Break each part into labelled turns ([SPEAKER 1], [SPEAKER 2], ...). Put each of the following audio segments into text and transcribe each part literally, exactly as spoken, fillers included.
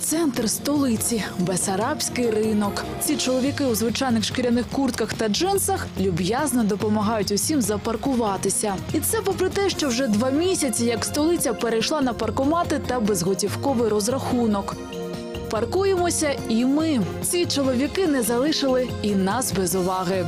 [SPEAKER 1] Центр столиці – Бесарабський ринок. Ці чоловіки у звичайних шкіряних куртках та джинсах люб'язно допомагають усім запаркуватися. І це попри те, що вже два місяці, як столиця перейшла на паркомати та безготівковий розрахунок. Паркуємося і ми. Ці чоловіки не залишили і нас без уваги.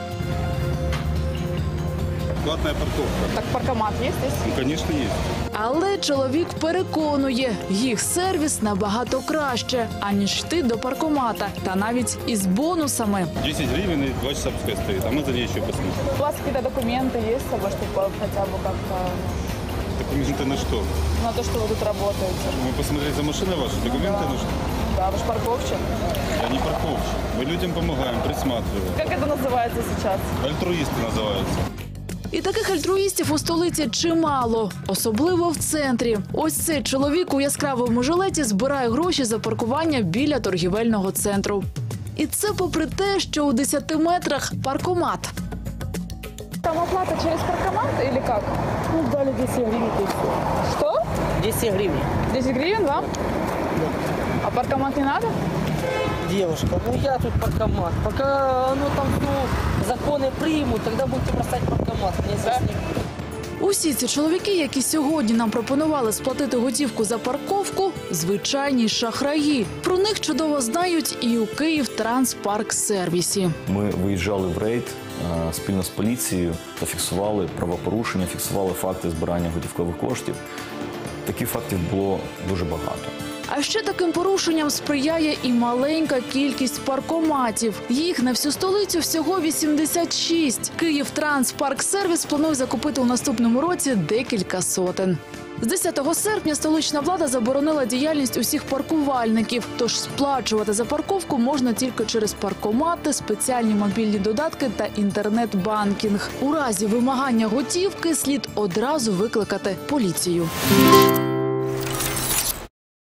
[SPEAKER 2] Платная парковка.
[SPEAKER 3] Так паркомат есть здесь?
[SPEAKER 2] Ну, конечно, есть.
[SPEAKER 1] Але чоловік переконує, їх сервіс набагато краще, аніж йти до паркомата. Та навіть із бонусами.
[SPEAKER 2] десять гривен и два часа пускай стоит, а мы за ней еще посмотрим.
[SPEAKER 3] У вас какие-то документы есть с собой, чтобы хотя бы как-то
[SPEAKER 2] Документы на что?
[SPEAKER 3] на то, что вы тут работаете?
[SPEAKER 2] Мы посмотрели за машиной ваши, документы нужны?
[SPEAKER 3] Да, вы же парковщик.
[SPEAKER 2] Я не парковщик. Мы людям помогаем, присматриваем.
[SPEAKER 3] Как это называется сейчас?
[SPEAKER 2] Альтруисты называются.
[SPEAKER 1] І таких альтруїстів у столиці чимало, особливо в центрі. Ось цей чоловік у яскравому жилеті збирає гроші за паркування біля торгівельного центру. І це попри те, що у десяти метрах паркомат.
[SPEAKER 3] Там оплата через паркомат или как?
[SPEAKER 4] Ну, дали десять гривен.
[SPEAKER 3] Что?
[SPEAKER 4] десять гривен.
[SPEAKER 3] десять гривен вам? А паркомат не надо?
[SPEAKER 4] Девушка, ну я тут паркомат. Пока ну, там ну, законы примут, тогда будете бросать паркомат. Мне здесь не...
[SPEAKER 1] Усі ці чоловіки, які сьогодні нам пропонували сплатити готівку за парковку, звичайні шахраї. Про них чудово знають і у Київтранспарксервісі.
[SPEAKER 5] Ми виїжджали в рейд е, спільно з поліцією та фіксували правопорушення, фіксували факти збирання готівкових коштів. Таких фактів було дуже багато.
[SPEAKER 1] А ще таким порушенням сприяє і маленька кількість паркоматів. Їх на всю столицю всього вісімдесят шість. Київтранспарксервіс планує закупити у наступному році декілька сотень. З десятого серпня столична влада заборонила діяльність усіх паркувальників, тож сплачувати за парковку можна тільки через паркомати, спеціальні мобільні додатки та інтернет-банкінг. У разі вимагання готівки слід одразу викликати поліцію.